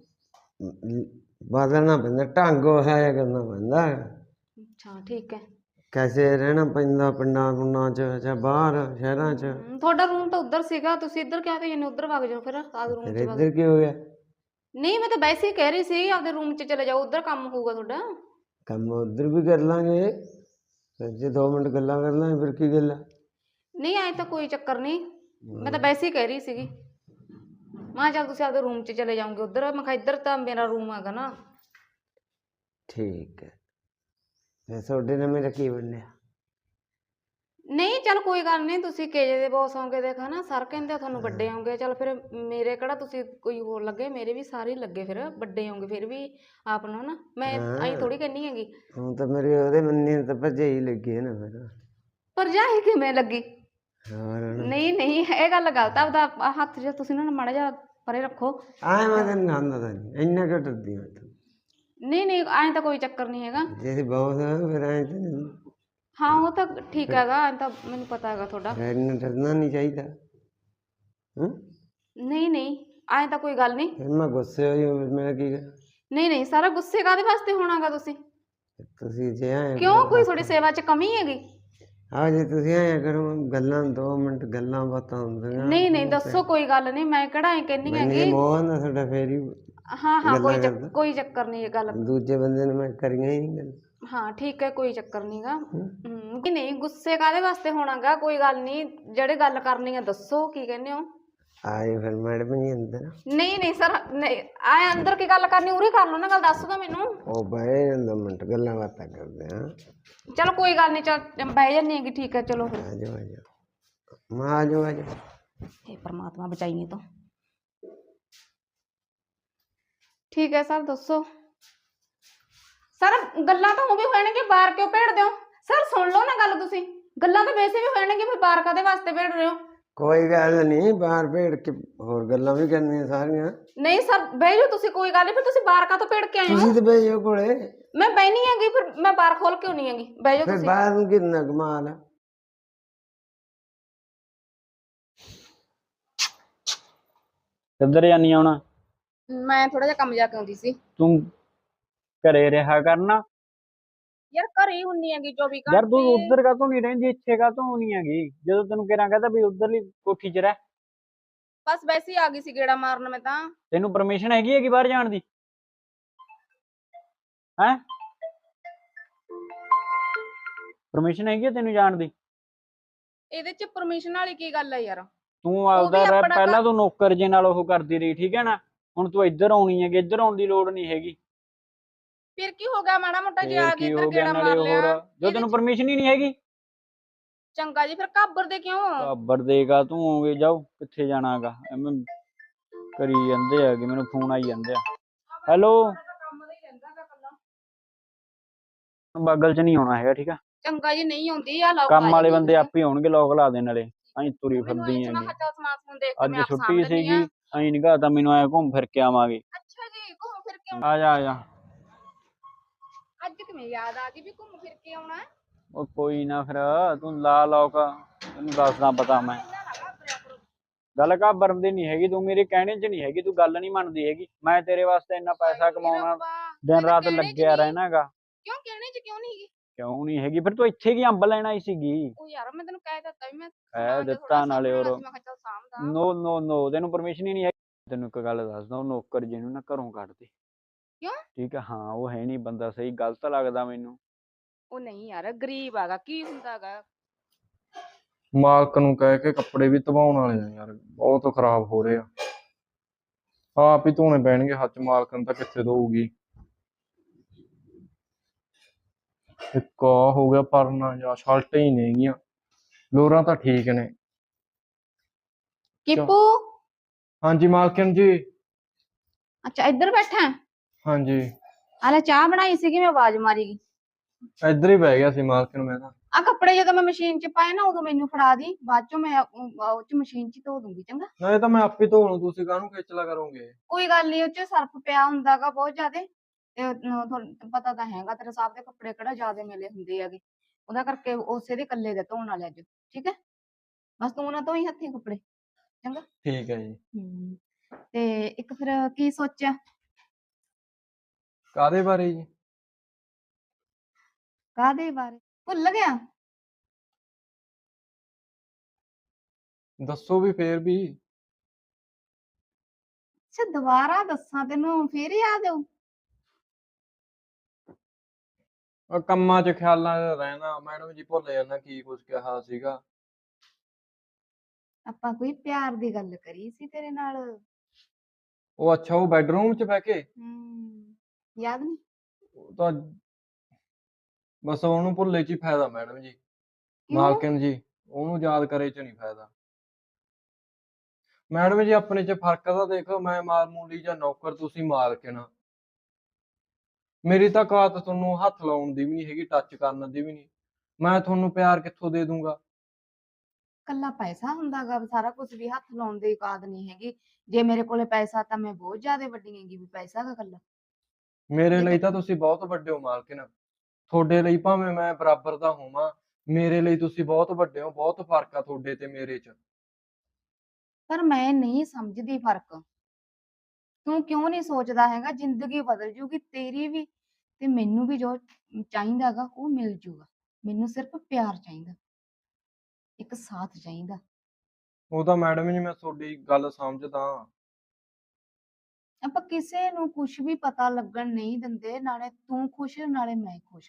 [SPEAKER 1] ਬਦਲਣਾ ਪੈਂਦਾ, ਢੰਗ ਉਹ ਹੈ ਕਰਨਾ ਪੈਂਦਾ।
[SPEAKER 2] ਅੱਛਾ ਠੀਕ ਹੈ।
[SPEAKER 1] ਕੈਸੇ ਰਹਿਣਾ ਪੈਂਦਾ ਪਿੰਡਾਂ ਪੁੰਡਾਂ 'ਚ ਜਾਂ ਬਾਹਰ ਸ਼ਹਿਰਾਂ 'ਚ।
[SPEAKER 2] ਹਮ, ਤੁਹਾਡਾ ਰੂਮ ਤਾਂ ਉੱਧਰ ਸੀਗਾ, ਤੁਸੀਂ ਇੱਧਰ ਕਿਉਂ ਤੇ ਇਹਨੇ ਉੱਧਰ ਵਗ ਜਾਓ ਫਿਰ ਆਦ ਰੂਮ
[SPEAKER 1] ਫਿਰ
[SPEAKER 2] ਚ ਵਗ।
[SPEAKER 1] ਇੱਧਰ ਕੀ ਹੋ ਗਿਆ?
[SPEAKER 2] ਨਹੀਂ ਮੈਂ ਤਾਂ ਵੈਸੇ ਹੀ ਕਹਿ ਰਹੀ ਸੀ ਆਪਦੇ ਰੂਮ ਚ ਚਲੇ ਜਾਓ, ਉੱਧਰ ਕੰਮ ਹੋਊਗਾ ਤੁਹਾਡਾ।
[SPEAKER 1] ਕੰਮ ਉੱਧਰ ਵੀ ਕਰ ਲਾਂਗੇ, ਫਿਰ ਜੇ ਦੋ ਮਿੰਟ ਗੱਲਾਂ ਕਰ ਲਾਂਗੇ, ਫਿਰ ਕੀ ਗੱਲ ਆ?
[SPEAKER 2] ਨਹੀਂ ਆਏ ਤਾਂ ਕੋਈ ਚੱਕਰ ਨਹੀਂ, ਮੈਂ ਤਾਂ ਵੈਸੇ ਹੀ ਕਹਿ ਰਹੀ ਸੀਗੀ। ਮੈਂ ਕਿਹਾ ਚੱਲ ਤੁਸੀਂ ਆਪਦੇ ਰੂਮ ਚ ਚਲੇ ਜਾਓਗੇ ਉੱਧਰ, ਮੈਂ ਕਿਹਾ ਇੱਧਰ ਤਾਂ ਮੇਰਾ ਰੂਮ ਹੈਗਾ ਨਾ।
[SPEAKER 1] ਠੀਕ ਹੈ, ਫਿਰ ਤੁਹਾਡੇ ਨਾਲ ਮੇਰਾ ਕੀ ਬਣਿਆ?
[SPEAKER 2] ਨਹੀਂ ਚੱਲ ਕੋਈ ਗੱਲ ਨਹੀਂ, ਤੁਸੀਂ ਕੇਜੇ ਦੇ ਬੌਸ ਹੋਗੇ, ਦੇਖਾ ਨਾ ਸਰ ਕਹਿੰਦੇ ਆ ਤੁਹਾਨੂੰ ਵੱਡੇ ਹੋਗੇ, ਚੱਲ ਫਿਰ ਮੇਰੇ ਕਿਹੜਾ ਤੁਸੀਂ ਕੋਈ ਹੋਰ ਲੱਗੇ, ਮੇਰੇ ਵੀ ਸਾਰੇ ਹੀ ਲੱਗੇ, ਫਿਰ ਵੱਡੇ ਹੋਗੇ ਫਿਰ ਵੀ ਆਪ ਨੂੰ ਨਾ, ਮੈਂ ਐਂ ਥੋੜੀ ਕਹਿੰਦੀ ਹੈਗੀ।
[SPEAKER 1] ਹੁਣ ਤਾਂ ਮੇਰੇ ਉਹਦੇ ਮੰਨੀ ਤਾਂ ਭਰਜਾਈ ਲੱਗੀ ਹੈ ਨਾ ਫਿਰ।
[SPEAKER 2] ਭਰਜਾਈ ਕਿਵੇਂ ਲੱਗੀ?
[SPEAKER 1] ਹੋਰ
[SPEAKER 2] ਨਹੀਂ ਨਹੀਂ ਇਹ ਗੱਲ ਗਲਤ ਆ, ਆਪਦਾ ਹੱਥ ਜੇ ਤੁਸੀਂ ਨਾ ਮਾੜਾ ਜਿਹਾ ਪਰੇ ਰੱਖੋ।
[SPEAKER 1] ਆਏ ਮੈਂ ਤੈਨੂੰ ਖਾਂਦਾ ਤਾਂ ਨਹੀਂ, ਇੰਨਾ ਕਿਉਂ ਡਰਦੀ ਮੈਂ ਤੂੰ?
[SPEAKER 2] ਨਹੀਂ ਨਹੀਂ ਐਂ ਤਾਂ ਕੋਈ ਚੱਕਰ ਨਹੀਂ ਹੈਗਾ।
[SPEAKER 1] ਜੇ ਅਸੀਂ ਬਹੁਤ ਆ ਫਿਰ ਐਂ ਤਾਂ ਨਹੀਂ,
[SPEAKER 2] ਹਾਂ ਉਹ ਤਾਂ ਠੀਕ ਹੈਗਾ, ਐਂ ਤਾਂ ਮੈਨੂੰ ਪਤਾ ਹੈਗਾ ਤੁਹਾਡਾ।
[SPEAKER 1] ਫਿਰ ਇੰਨਾ ਡਰਨਾ ਨਹੀਂ ਚਾਹੀਦਾ। ਹੂੰ
[SPEAKER 2] ਨਹੀਂ ਨਹੀਂ ਐਂ ਤਾਂ ਕੋਈ ਗੱਲ ਨਹੀਂ।
[SPEAKER 1] ਫਿਰ ਮੈਂ ਗੁੱਸੇ ਹੋਈ ਫਿਰ ਮੇਰਾ ਕੀ ਕਰ?
[SPEAKER 2] ਨਹੀਂ ਨਹੀਂ ਸਾਰਾ ਗੁੱਸੇ ਕਾਹਦੇ ਵਾਸਤੇ ਹੋਣਾਗਾ ਤੁਸੀਂ?
[SPEAKER 1] ਤੁਸੀਂ ਜੇ ਆਏ
[SPEAKER 2] ਕਿਉਂ ਕੋਈ ਤੁਹਾਡੀ ਸੇਵਾ 'ਚ ਕਮੀ ਹੈਗੀ?
[SPEAKER 1] ਆ ਜੇ ਤੁਸੀਂ ਆਇਆ ਕਰੋ, ਗੱਲਾਂ ਦੋ ਮਿੰਟ ਗੱਲਾਂ ਬਾਤਾਂ ਹੁੰਦੀਆਂ।
[SPEAKER 2] ਨਹੀਂ ਨਹੀਂ ਦੱਸੋ, ਕੋਈ ਗੱਲ ਨਹੀਂ, ਮੈਂ ਕਿਹੜਾ ਐਂ ਕਹਿੰਦੀ
[SPEAKER 1] ਮੈਨੂੰ
[SPEAKER 2] ਹੈਗੀ।
[SPEAKER 1] ਮੋਹ ਨਾ ਤੁਹਾਡਾ ਫੇਰ ਹੀ
[SPEAKER 2] ਹਾਂ ਹਾਂ ਕੋਈ
[SPEAKER 1] ਗੱਲਾਂ
[SPEAKER 2] ਚੱਕ-
[SPEAKER 1] ਕਰਦਾ।
[SPEAKER 2] ਕੋਈ ਚੱਕਰ ਨਹੀਂ ਇਹ ਗੱਲ।
[SPEAKER 1] ਦੂਜੇ ਬੰਦੇ ਨੂੰ ਮੈਂ ਕਰੀਆਂ ਹੀ ਨਹੀਂ ਗੱਲ।
[SPEAKER 2] ਹਾਂ ਠੀਕ ਹੈ, ਕੋਈ ਚੱਕਰ ਨਹੀਂਗਾ। ਹਮ ਨਹੀਂ ਨਹੀਂ ਗੁੱਸੇ ਕਾਹਦੇ ਵਾਸਤੇ ਹੋਣਾਗਾ, ਕੋਈ ਗੱਲ ਨਹੀਂ, ਜਿਹੜੇ ਗੱਲ ਕਰਨੀ ਆ ਦੱਸੋ, ਕੀ ਕਹਿੰਦੇ ਹੋ?
[SPEAKER 1] ਆਏ ਫਿਰ ਮੈਡਮ ਜੀ ਅੰਦਰ।
[SPEAKER 2] ਨਹੀਂ ਨਹੀਂ ਸਰ, ਨਹੀਂ ਆਏ ਅੰਦਰ ਕੀ ਗੱਲ ਕਰਨੀ, ਉਰੇ ਕਰ ਲਓ ਨਾ ਗੱਲ, ਦੱਸ ਦੋ ਮੈਨੂੰ।
[SPEAKER 1] ਉਹ ਬਹਿ ਦੋ ਮਿੰਟ ਗੱਲਾਂ ਬਾਤਾਂ ਕਰਦੇ ਹਾਂ।
[SPEAKER 2] ਚਲੋ ਕੋਈ ਗੱਲ ਨਹੀਂ, ਚੱਲ ਬਹਿ ਜਾਂਦੀ ਹੈਗੀ, ਠੀਕ ਹੈ ਚਲੋ ਫਿਰ।
[SPEAKER 1] ਆ ਜਾਓ ਆ ਜਾਓ, ਮੈਂ ਆ ਜਾਓ ਆ ਜਾਓ।
[SPEAKER 2] हे परमात्मा बचाइए तो। ठीक है सर दसो। सर गल्लां तो वो भी होणगे, बाहर क्यों भेड़ दो? सर सुन लो ना गल, तुसी गल्लां तो वैसे भी होणगे, फिर बाहर कादे वास्ते भेड़ रहे हो?
[SPEAKER 1] कोई गल नहीं, बाहर भेड़ के होर गल्लां भी करनियां सारियां।
[SPEAKER 2] नहीं सर बह जाओ तुसी, कोई गल नहीं, फिर तुसी बाहर का तो भेड़ के आए हो?
[SPEAKER 1] तुसी तो बह जाओ कोले।
[SPEAKER 2] मैं बहनी हैगी, फिर मैं बाहर खोल क्यों नहीं हैगी? बह जाओ
[SPEAKER 1] फिर
[SPEAKER 2] तुसी।
[SPEAKER 1] बाहर में कितना कमाल है?
[SPEAKER 3] ਕਿੱਧਰ ਜਾਨੀ ਆ ਹੁਣ?
[SPEAKER 2] मैं थोड़ा जिहा कम जाके आउंदी सी।
[SPEAKER 3] ਤੂੰ ਘਰੇ ਰਿਹਾ ਕਰਨਾ
[SPEAKER 2] यार घर ही हुन्नी हैगी चौबीस घंटे।
[SPEAKER 3] ਯਾਰ। ਤੂੰ ਉੱਧਰ ਕਾਹਤੋਂ ਨਹੀਂ ਰਹਿੰਦੀ, ਇੱਥੇ ਕਾਹਤੋਂ ਨਹੀਂ ਹੈਗੀ? ਜਦੋਂ ਤੈਨੂੰ ਕਿਹੜਾ ਕਹਤਾ ਵੀ ਉਧਰਲੀ ਕੋਠੀ 'ਚ ਰਹਿ।
[SPEAKER 2] बस वैसे ही आ गई सी गेड़ा मारन में तां।
[SPEAKER 3] ਤੈਨੂੰ ਪਰਮਿਸ਼ਨ ਹੈਗੀ ਹੈ ਕਿ ਬਾਹਰ ਜਾਣ ਦੀ? ਹੈ ਪਰਮਿਸ਼ਨ ਹੈਗੀ ਹੈ ਤੈਨੂੰ ਜਾਣ ਦੀ?
[SPEAKER 2] ਇਹਦੇ ਚ ਪਰਮਿਸ਼ਨ ਵਾਲੀ ਕੀ ਗੱਲ ਹੈ ਯਾਰ?
[SPEAKER 3] ਤੂੰ ਆਪਦਾ
[SPEAKER 2] ਵੀ
[SPEAKER 3] ਰਹਿ,
[SPEAKER 2] ਆਪਣਾ
[SPEAKER 3] ਪਹਿਲਾਂ ਤੂੰ ਨੌਕਰ ਜੇ ਨਾਲ ਉਹ ਕਰਦੀ ਰਹੀ, ਠੀਕ ਹੈ ਨਾ? ਹੁਣ ਤੂੰ ਇੱਧਰ ਆਉਣੀ ਹੈਗੀ, ਇੱਧਰ ਆਉਣ ਦੀ ਲੋੜ ਨਹੀਂ ਹੈਗੀ।
[SPEAKER 2] ਫਿਰ ਕੀ ਹੋ ਗਿਆ, ਮਾੜਾ ਮੋਟਾ ਜੇ
[SPEAKER 3] ਫੇਰ
[SPEAKER 2] ਆ ਗਈ
[SPEAKER 3] ਕੀ
[SPEAKER 2] ਇੱਧਰ
[SPEAKER 3] ਹੋ ਗਿਆ
[SPEAKER 2] ਗੇੜਾ
[SPEAKER 3] ਨਾਲੇ
[SPEAKER 2] ਮਾਰ
[SPEAKER 3] ਹੋਰ
[SPEAKER 2] ਲਿਆ
[SPEAKER 3] ਜੋ
[SPEAKER 2] ਇਹਦੇ
[SPEAKER 3] ਤੈਨੂੰ
[SPEAKER 2] ਚ।
[SPEAKER 3] ਪਰਮਿਸ਼ਨ ਹੀ ਨਹੀਂ ਹੈਗੀ।
[SPEAKER 2] ਚੰਗਾ ਜੀ, ਫਿਰ ਘਾਬਰ ਦੇ ਕਿਉਂ?
[SPEAKER 3] ਕਾਬਰ ਦੇਗਾ ਤੂੰ ਹੋਗੇ ਜਾਓ ਕਿੱਥੇ ਜਾਣਾਗਾ ਐਵੇਂ ਕਰੀ ਜਾਂਦੇ ਹੈਗੇ ਮੈਨੂੰ ਫੋਨ ਆਈ ਜਾਂਦੇ ਆ। ਹੈਲੋ
[SPEAKER 2] ਕੰਮ ਦਾ ਹੀ ਰਹਿੰਦਾ ਗਾ ਕੱਲਾ।
[SPEAKER 3] ਬਾਗਲ ਚ ਨਹੀਂ ਆਉਣਾ ਹੈਗਾ ਠੀਕ ਆ।
[SPEAKER 2] ਚੰਗਾ ਜੀ, ਨਹੀਂ ਆਉਂਦੀ ਆ ਲੋਕ
[SPEAKER 3] ਕੰਮ
[SPEAKER 2] ਆ
[SPEAKER 3] ਵਾਲੇ
[SPEAKER 2] ਜਾਂਦੀ
[SPEAKER 3] ਬੰਦੇ
[SPEAKER 2] ਆ।
[SPEAKER 3] ਆਪੇ ਆਉਣਗੇ ਲੋਕ ਲਾ ਦੇ ਨਾਲੇ ਅਸੀਂ ਤੁਰੀ
[SPEAKER 2] ਮੈਨੂੰ
[SPEAKER 3] ਫਿਰਦੀ
[SPEAKER 2] ਇਹ ਚ ਮੈਂ
[SPEAKER 3] ਹੈਗੇ।
[SPEAKER 2] ਕਿਹਾ ਚੱਲ ਸਮਾਨ ਸਮੂਨ ਦੇਖ ਕੇ
[SPEAKER 3] ਅੱਜ
[SPEAKER 2] ਮੈਂ ਆਪ ਸਾਂਭ
[SPEAKER 3] ਛੁੱਟੀ
[SPEAKER 2] ਲੈਂਦੀ
[SPEAKER 3] ਸੀਗੀ
[SPEAKER 2] ਆ।
[SPEAKER 3] ਅਸੀਂ ਨਿਗਾਹ ਤਾਂ ਮੈਨੂੰ ਐ ਘੁੰਮ ਫਿਰ ਕੇ ਆਵਾਂਗੇ।
[SPEAKER 2] ਅੱਛਾ ਜੀ, ਘੁੰਮ ਫਿਰ ਕੇ
[SPEAKER 3] ਆ ਜਾ ਆ ਜਾ।
[SPEAKER 2] ਅੱਜ ਕਿਵੇਂ ਯਾਦ ਆ ਗਈ ਵੀ ਘੁੰਮ ਫਿਰ ਕੇ ਆਉਣਾ?
[SPEAKER 3] ਉਹ ਕੋਈ ਨਾ ਫਿਰ ਤੂੰ ਲਾ ਲੋਕ ਤੈਨੂੰ ਦੱਸਦਾ ਪਤਾ ਮੈਂ।
[SPEAKER 2] ਇੰਨਾ ਨਾ ਘਾਬਰਿਆ ਕਰੋ।
[SPEAKER 3] ਗੱਲ ਘਾਬਰਨ ਦੀ ਨਹੀਂ ਹੈਗੀ, ਤੂੰ ਮੇਰੇ ਕਹਿਣੇ 'ਚ ਨਹੀਂ ਹੈਗੀ, ਤੂੰ ਗੱਲ ਨਹੀਂ ਮੰਨਦੀ ਹੈਗੀ। ਮੈਂ ਤੇਰੇ ਵਾਸਤੇ ਇੰਨਾ ਪੈਸਾ ਕਮਾਉਣਾ
[SPEAKER 2] ਰੱਬਾ,
[SPEAKER 3] ਦਿਨ
[SPEAKER 2] ਮੈਂ ਤਾਂ
[SPEAKER 3] ਰਾਤ
[SPEAKER 2] ਕਹਿਣੇ ਚ
[SPEAKER 3] ਲੱਗਿਆ
[SPEAKER 2] ਨਹੀਂ।
[SPEAKER 3] ਰਹਿਣਾਗਾ।
[SPEAKER 2] ਕਿਉਂ ਕਹਿਣੇ ਚ ਕਿਉਂ ਨਹੀਂ ਗਈ?
[SPEAKER 3] ਕਿਉਂ ਨਹੀਂ ਹੈਗੀ? ਫਿਰ ਤੂੰ ਇੱਥੇ ਕੀ ਅੰਬ ਲੈਣ ਆਈ ਸੀਗੀ?
[SPEAKER 2] ਉਹ ਯਾਰ ਮੈਂ ਤੈਨੂੰ ਕਹਿ ਦਿੱਤਾ ਵੀ ਮੈਂ
[SPEAKER 3] ਕਹਿ
[SPEAKER 2] ਸਮਾਨ ਜਿਹਾ
[SPEAKER 3] ਦਿੱਤਾ
[SPEAKER 2] ਥੋੜਾ
[SPEAKER 3] ਨਾਲੇ
[SPEAKER 2] ਸਾਂਭਣਾ
[SPEAKER 3] ਹੋਰ
[SPEAKER 2] ਸੀ, ਮੈਂ ਕਿਹਾ ਚੱਲ ਸਾਂਭਦਾ।
[SPEAKER 3] ਨੋ ਨੋ ਨੋ ਤੈਨੂੰ ਪਰਮਿਸ਼ਨ ਹੀ ਨਹੀਂ ਹੈਗੀ। ਤੈਨੂੰ ਇੱਕ ਗੱਲ ਦੱਸਦਾ, ਉਹ ਨੌਕਰ ਜੀ ਨੂੰ ਨਾ ਘਰੋਂ ਕੱਢ ਦੇ।
[SPEAKER 2] ਕਿਉਂ?
[SPEAKER 3] ਠੀਕ ਆ, ਹਾਂ ਉਹ ਹੈ ਨਹੀਂ ਬੰਦਾ ਸਹੀ, ਗਲਤ ਲੱਗਦਾ ਮੈਨੂੰ।
[SPEAKER 2] ਉਹ ਨਹੀਂ ਯਾਰ, ਗਰੀਬ ਆਗਾ, ਕੀ ਹੁੰਦਾਗਾ।
[SPEAKER 4] ਮਾਲਕ ਨੂੰ ਕਹਿ ਕੇ ਕੱਪੜੇ ਵੀ ਧਵਾਉਣ ਵਾਲੇ ਆ ਯਾਰ, ਬਹੁਤ ਖਰਾਬ ਹੋ ਰਹੇ ਆ। ਆਪ ਹੀ ਧੋਣੇ ਪੈਣਗੇ ਹੱਥ, ਮਾਲਕ ਨੂੰ ਤਾਂ ਕਿੱਥੇ ਧੋਊਗੀ। ਇੱਕ ਆਹ ਹੋ ਗਿਆ ਪਰਨਾ ਜਾਂ ਸ਼ਰਟਾਂ ਹੀ ਨੇਗੀਆਂ, ਲੋਰਾਂ ਤਾਂ ਠੀਕ ਨੇ।
[SPEAKER 2] ਕਿਪੂ,
[SPEAKER 4] ਹਾਂਜੀ ਮਾਲਕਨ ਜੀ।
[SPEAKER 2] ਅੱਛਾ ਇੱਧਰ ਬੈਠਾ?
[SPEAKER 4] ਹਾਂਜੀ
[SPEAKER 2] ਆਲੇ ਚਾਹ ਬਣਾਈ ਸੀਗੀ, ਮੈਂ ਆਵਾਜ਼ ਮਾਰੀ ਗਈ।
[SPEAKER 4] ਇੱਧਰ ਹੀ ਬਹਿ ਗਿਆ ਸੀ ਮਾਲਕਨ, ਮੈਂ ਤਾਂ।
[SPEAKER 2] ਆ ਕੱਪੜੇ ਜਦੋਂ ਮੈਂ ਮਸ਼ੀਨ ਚ ਪਾਏ ਨਾ, ਉਦੋਂ ਮੈਨੂੰ ਫੜਾ ਦੀ, ਬਾਅਦ ਚੋਂ ਮੈਂ ਉਹ ਉਹ ਚ ਮਸ਼ੀਨ ਚ ਹੀ ਧੋ ਦੂੰਗੀ, ਚੰਗਾ?
[SPEAKER 4] ਨਹੀਂ ਤਾਂ ਮੈਂ ਆਪੇ ਧੋ ਲੂੰ, ਤੁਸੀਂ ਕਾਹਨੂੰ ਖੇਚਲਾ ਕਰੋਗੇ।
[SPEAKER 2] ਕੋਈ ਗੱਲ ਨਹੀਂ, ਉਹ ਚ ਸਰਫ ਪਿਆ ਹੁੰਦਾਗਾ ਬਹੁਤ ਜ਼ਿਆਦੇ, ਤੇ ਉਹ ਤੁਹਾਨੂੰ ਪਤਾ ਤਾਂ ਹੈਗਾ, ਤੇਰੇ ਸਾਹਿਬ ਦੇ ਕੱਪੜੇ ਕਿਹੜਾ ਜ਼ਿਆਦੇ ਮਿਲੇ ਹੁੰਦੇ ਹੈਗੇ, ਉਹਦਾ ਕਰਕੇ ਉਸੇ ਦੇ ਇਕੱਲੇ ਦੇ ਧੋਣ ਵਾਲੇ ਅੱਜ, ਠੀਕ ਹੈ? ਬਸ ਤੂੰ ਨਾ ਧੋਈ ਹੱਥੀਂ ਕੱਪੜੇ, ਚੰਗਾ?
[SPEAKER 4] ਠੀਕ ਹੈ ਜੀ।
[SPEAKER 2] ਹਮ ਤੇ ਇੱਕ ਫਿਰ ਕੀ ਸੋਚਿਆ?
[SPEAKER 4] ਕਾਹਦੇ ਬਾਰੇ ਜੀ?
[SPEAKER 2] ਕਾਹਦੇ ਬਾਰੇ ਭੁੱਲ ਗਿਆ?
[SPEAKER 4] ਦੱਸੋ ਵੀ ਫੇਰ ਵੀ।
[SPEAKER 2] ਅੱਛਾ ਦੁਬਾਰਾ ਦੱਸਾਂ ਤੈਨੂੰ ਫੇਰ ਯਾਦ ਆਊ?
[SPEAKER 4] ਉਹ ਕੰਮਾਂ 'ਚ ਖਿਆਲਾਂ 'ਚ ਰਹਿਣਾ ਮੈਡਮ ਜੀ, ਭੁੱਲ ਜਾਂਦਾ ਕੀ ਕੁਝ ਕਿਹਾ ਸੀਗਾ।
[SPEAKER 2] ਆਪਾਂ ਕੋਈ ਪਿਆਰ ਦੀ ਗੱਲ ਕਰੀ ਸੀ ਤੇਰੇ ਨਾਲ।
[SPEAKER 4] ਉਹ ਅੱਛਾ, ਉਹ ਬੈਡਰੂਮ 'ਚ ਬਹਿ ਕੇ?
[SPEAKER 2] ਹਮ ਯਾਦ ਨਹੀਂ?
[SPEAKER 4] ਉਹ ਤਾਂ ਬਸ ਉਹਨੂੰ ਭੁੱਲੇ 'ਚ ਹੀ ਫਾਇਦਾ ਮੈਡਮ ਜੀ,
[SPEAKER 2] ਕਿਉਂ?
[SPEAKER 4] ਮਾਲਕਨ ਜੀ। ਉਹਨੂੰ ਯਾਦ ਕਰੇ 'ਚ ਨਹੀਂ ਫਾਇਦਾ ਮੈਡਮ ਜੀ। ਆਪਣੇ 'ਚ ਫਰਕ ਤਾਂ ਦੇਖੋ, ਮੈਂ ਮਾਮੂਲੀ ਜਾਂ ਨੌਕਰ, ਤੁਸੀਂ ਮਾਲਕਨ। ਮੇਰੀ ਤਾਂ ਕਾਤ ਤੁਹਾਨੂੰ ਹੱਥ ਲਾਉਣ ਦੀ ਵੀ ਨਹੀਂ ਹੈਗੀ, ਟੱਚ ਕਰਨ ਦੀ ਵੀ ਨਹੀਂ। ਮੈਂ ਤੁਹਾਨੂੰ ਪਿਆਰ ਕਿੱਥੋਂ ਦੇ ਦੂੰਗਾ?
[SPEAKER 2] ਕੱਲਾ ਪੈਸਾ ਹੁੰਦਾਗਾ ਸਾਰਾ ਕੁਝ ਵੀ ਹੱਥ ਲਾਉਣ ਦੀ ਔਕਾਤ ਨਹੀਂ ਹੈਗੀ। ਜੇ ਮੇਰੇ ਕੋਲੇ ਪੈਸਾ ਤਾਂ ਮੈਂ ਬਹੁਤ ਜ਼ਿਆਦਾ ਵੱਡੀ ਹੈਗੀ, ਵੀ ਪੈਸਾ ਦਾ ਕੱਲਾ।
[SPEAKER 4] ਮੇਰੇ
[SPEAKER 2] ਜੇ
[SPEAKER 4] ਲਈ
[SPEAKER 2] ਤੇ
[SPEAKER 4] ਤਾਂ ਤੁਸੀਂ ਬਹੁਤ ਵੱਡੇ ਹੋ ਮਾਲਕਨ। ਤੁਹਾਡੇ ਲਈ ਭਾਵੇਂ ਮੈਂ ਬਰਾਬਰ ਦਾ ਹੋਵਾਂ, ਮੇਰੇ ਲਈ ਤੁਸੀਂ ਬਹੁਤ ਵੱਡੇ ਹੋ। ਬਹੁਤ ਫਰਕ ਆ ਤੁਹਾਡੇ ਤੇ ਮੇਰੇ 'ਚ।
[SPEAKER 2] ਪਰ ਮੈਂ ਨਹੀਂ ਸਮਝਦੀ ਫਰਕ। ਤੂੰ ਕਿਉਂ ਨਹੀਂ ਸੋਚਦਾ ਹੈਗਾ, ਜ਼ਿੰਦਗੀ ਬਦਲ ਜੂਗੀ ਤੇਰੀ ਵੀ, ਤੇ ਮੈਨੂੰ ਵੀ ਜੋ ਚਾਹੀਦਾਗਾ ਉਹ ਮਿਲ ਜੂਗਾ। ਮੈਨੂੰ ਸਿਰਫ ਪਿਆਰ ਚਾਹੀਦਾ, ਇੱਕ ਸਾਥ ਚਾਹੀਦਾ।
[SPEAKER 4] ਉਹ ਤਾਂ ਮੈਡਮ ਜੀ ਮੈਂ ਤੁਹਾਡੀ ਗੱਲ ਸਮਝਦਾ।
[SPEAKER 2] ਆਪਾਂ ਕਿਸੇ ਨੂੰ ਕੁਝ ਵੀ ਪਤਾ ਲੱਗਣ ਨਹੀਂ ਦਿੰਦੇ, ਨਾਲੇ ਤੂੰ ਖੁਸ਼ ਨਾਲੇ ਮੈਂ ਖੁਸ਼।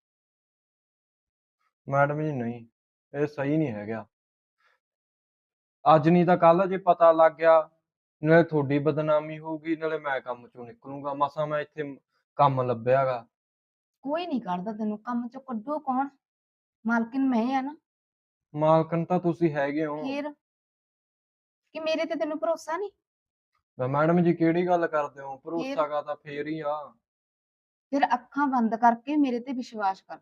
[SPEAKER 4] ਮੈਡਮ ਜੀ ਨਹੀਂ, ਇਹ ਸਹੀ ਨਹੀਂ ਹੈਗਾ। ਅੱਜ ਨਹੀਂ ਤਾਂ ਕੱਲ ਜੇ ਪਤਾ ਲੱਗ ਗਿਆ, ਨਾਲੇ ਤੁਹਾਡੀ ਬਦਨਾਮੀ ਹੋਊਗੀ, ਨਾਲੇ ਮੈਂ ਕੰਮ ਚੋਂ ਨਿਕਲੂੰਗਾ। ਮਸਾਂ ਮੈਂ ਇੱਥੇ ਕੰਮ ਲੱਭਿਆਗਾ।
[SPEAKER 2] ਕੋਈ ਨਹੀਂ ਕੱਢਦਾ ਤੈਨੂੰ ਕੰਮ ਚੋਂ, ਕੱਢੂ ਕੌਣ? ਮਾਲਕਿਨ ਮੈਂ ਆ ਨਾ।
[SPEAKER 4] ਮਾਲਕਨ ਤਾਂ ਤੁਸੀਂ ਹੈਗੇ ਹੋ।
[SPEAKER 2] ਫੇਰ ਕਿ ਮੇਰੇ ਤੇ ਤੈਨੂੰ ਭਰੋਸਾ ਨਹੀਂ?
[SPEAKER 4] ਤਾਂ ਮੈਡਮ ਜੀ ਕਿਹੜੀ ਗੱਲ ਕਰਦੇ ਹੋ?
[SPEAKER 2] ਫੇਰ
[SPEAKER 4] ਭਰੋਸਾ ਗਾ ਤਾਂ ਫੇਰ ਹੀ ਆ।
[SPEAKER 2] ਫਿਰ ਅੱਖਾਂ ਬੰਦ ਕਰਕੇ ਮੇਰੇ ਤੇ ਵਿਸ਼ਵਾਸ ਕਰ,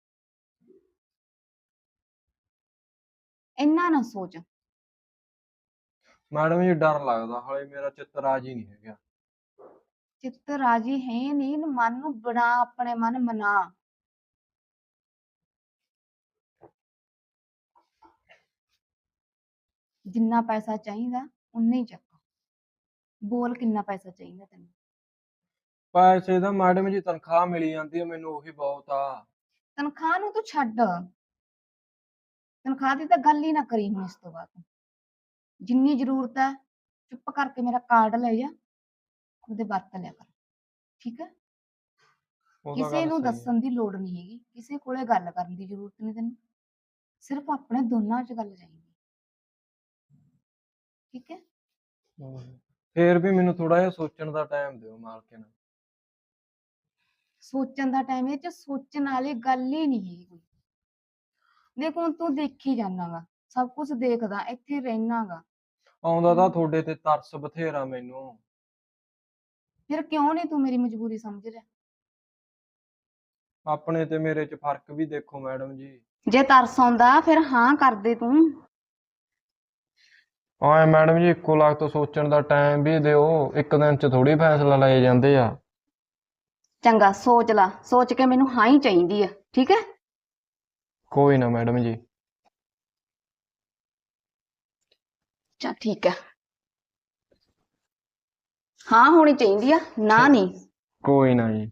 [SPEAKER 2] ਇੰਨਾ ਨਾ ਸੋਚ।
[SPEAKER 4] ਮੈਡਮ ਜੀ ਡਰ ਲੱਗਦਾ, ਹਾਲੇ ਮੇਰਾ ਚਿੱਤ ਰਾਜੀ ਨਹੀਂ ਹੈਗਾ।
[SPEAKER 2] ਚਿੱਤ ਰਾਜੀ ਹੈ ਨਹੀਂ, ਮਨ ਨੂੰ ਬਣਾ, ਆਪਣੇ ਮਨ ਮਨਾ। ਜਿੰਨਾ ਪੈਸਾ ਚਾਹੀਦਾ ਉਨਾ ਹੀ ਚੱਕ। ਬੋਲ ਕਿੰਨਾ ਪੈਸਾ ਚਾਹੀਦਾ ਤੈਨੂੰ?
[SPEAKER 4] ਪੈਸੇ ਦਾ ਮੈਡਮ ਜੀ ਤਨਖਾਹ ਮਿਲੀ ਜਾਂਦੀ ਹੈ ਮੈਨੂੰ, ਉਹੀ ਬਹੁਤ ਆ।
[SPEAKER 2] ਤਨਖਾਹ ਨੂੰ ਤੂੰ ਛੱਡ, ਤਨਖਾਹ ਦੀ ਤਾਂ ਗੱਲ ਹੀ ਨਾ ਕਰੀ ਹੁਣ ਇਸ ਤੋਂ ਬਾਅਦ। ਜਿੰਨੀ ਜ਼ਰੂਰਤ ਹੈ ਚੁੱਪ ਕਰਕੇ ਮੇਰਾ ਕਾਰਡ ਲੈ ਜਾ, ਉਹਦੇ ਵਰਤ ਲਿਆ ਕਰ, ਠੀਕ ਹੈ?
[SPEAKER 4] ਉਹ ਤਾਂ
[SPEAKER 2] ਕਿਸੇ
[SPEAKER 4] ਗੱਲ
[SPEAKER 2] ਨੂੰ
[SPEAKER 4] ਸਹੀ ਹੈ।
[SPEAKER 2] ਦੱਸਣ ਦੀ ਲੋੜ ਨਹੀਂ ਹੈਗੀ, ਕਿਸੇ ਕੋਲੇ ਗੱਲ ਕਰਨ ਦੀ ਜ਼ਰੂਰਤ ਨਹੀਂ ਤੈਨੂੰ, ਸਿਰਫ ਆਪਣੇ ਦੋਨਾਂ 'ਚ ਗੱਲ ਚਾਹੀਦੀ, ਠੀਕ ਹੈ?
[SPEAKER 4] ਫੇਰ ਵੀ ਮੈਨੂੰ ਥੋੜਾ ਜਿਹਾ ਸੋਚਣ ਦਾ ਟਾਈਮ ਦਿਓ ਮਾਲਕਨ।
[SPEAKER 2] ਸੋਚਣ ਦਾ ਟਾਈਮ ਇਹ ਚ ਸੋਚਣ ਵਾਲੀ ਗੱਲ ਹੀ ਨਹੀਂ ਹੈ ਕੋਈ। ਦੇਖ ਹੁਣ ਤੂੰ ਦੇਖੀ ਜਾਣਾਗਾ, ਸਭ ਕੁਝ ਦੇਖਦਾ, ਇੱਥੇ ਰਹਿਣਾਗਾ,
[SPEAKER 4] ਆਉਂਦਾ ਤਾਂ ਤੁਹਾਡੇ ਤੇ ਤਰਸ ਬਥੇਰਾ ਮੈਨੂੰ।
[SPEAKER 2] ਫਿਰ ਕਿਉਂ ਨਹੀਂ ਤੂੰ ਮੇਰੀ ਮਜਬੂਰੀ ਸਮਝ ਰਿਹਾ?
[SPEAKER 4] ਆਪਣੇ ਤੇ ਮੇਰੇ 'ਚ ਫਰਕ ਵੀ ਦੇਖੋ ਮੈਡਮ ਜੀ।
[SPEAKER 2] ਜੇ ਤਰਸ ਆਉਂਦਾ ਫਿਰ ਹਾਂ ਕਰ ਦੇ ਤੂੰ।
[SPEAKER 4] ਆਏ ਮੈਡਮ ਜੀ, ਇੱਕੋ ਲੱਖ ਤੋਂ ਸੋਚਣ ਦਾ ਟਾਈਮ ਵੀ ਦਿਓ, ਇੱਕ ਦਿਨ 'ਚ ਥੋੜੀ ਫੈਸਲਾ ਲਏ ਜਾਂਦੇ ਆ।
[SPEAKER 2] ਚੰਗਾ ਸੋਚ ਲਾ, ਸੋਚ ਕੇ ਮੈਨੂੰ ਹਾਂ ਹੀ ਚਾਹੀਦੀ ਆ, ਠੀਕ ਹੈ?
[SPEAKER 4] ਕੋਈ ਨਾ ਮੈਡਮ ਜੀ।
[SPEAKER 2] ਚਲ ਠੀਕ ਹੈ, ਹਾਂ ਹੋਣੀ ਚਾਹੀਦੀ ਆ, ਨਾ ਨਹੀਂ।
[SPEAKER 4] ਕੋਈ ਨਾ ਜੀ।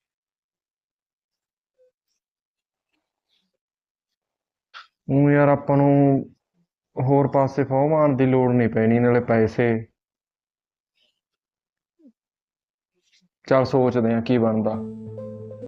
[SPEAKER 4] ਉਹ ਯਾਰ ਆਪਾਂ ਨੂੰ ਹੋਰ ਪਾਸੇ ਫੋਹ ਮਾਰਨ ਦੀ ਲੋੜ ਨਹੀਂ ਪੈਣੀ, ਨਾਲੇ ਪੈਸੇ। ਚੱਲ ਸੋਚਦੇ ਆ ਕੀ ਬਣਦਾ।